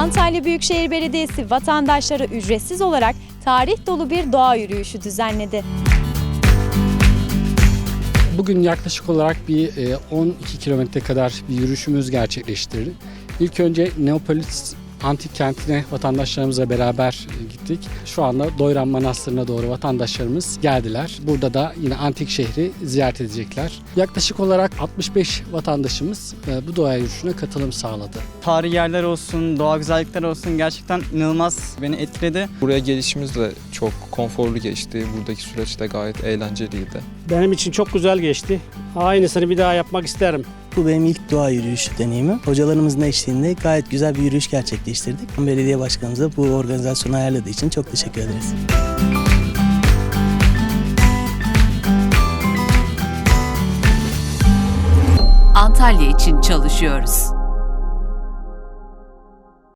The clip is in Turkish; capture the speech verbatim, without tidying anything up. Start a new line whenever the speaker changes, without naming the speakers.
Antalya Büyükşehir Belediyesi vatandaşlara ücretsiz olarak tarih dolu bir doğa yürüyüşü düzenledi.
Bugün yaklaşık olarak bir on iki kilometre kadar bir yürüyüşümüz gerçekleştirdik. İlk önce Neapolis Antik Kenti'ne vatandaşlarımızla beraber gittik. Şu anda Doyran Manastırı'na doğru vatandaşlarımız geldiler. Burada da yine antik şehri ziyaret edecekler. Yaklaşık olarak altmış beş vatandaşımız bu doğa yürüyüşüne katılım sağladı.
Tarihi yerler olsun, doğa güzellikler olsun gerçekten inanılmaz beni etkiledi.
Buraya gelişimiz de çok konforlu geçti. Buradaki süreç de gayet eğlenceliydi.
Benim için çok güzel geçti. Aynısını bir daha yapmak isterim.
Bu benim ilk doğa yürüyüşü deneyimim. Hocalarımızın eşliğinde gayet güzel bir yürüyüş gerçekleştirdik. Belediye başkanımıza bu organizasyonu ayarladığı için çok teşekkür ederiz.
Antalya için çalışıyoruz.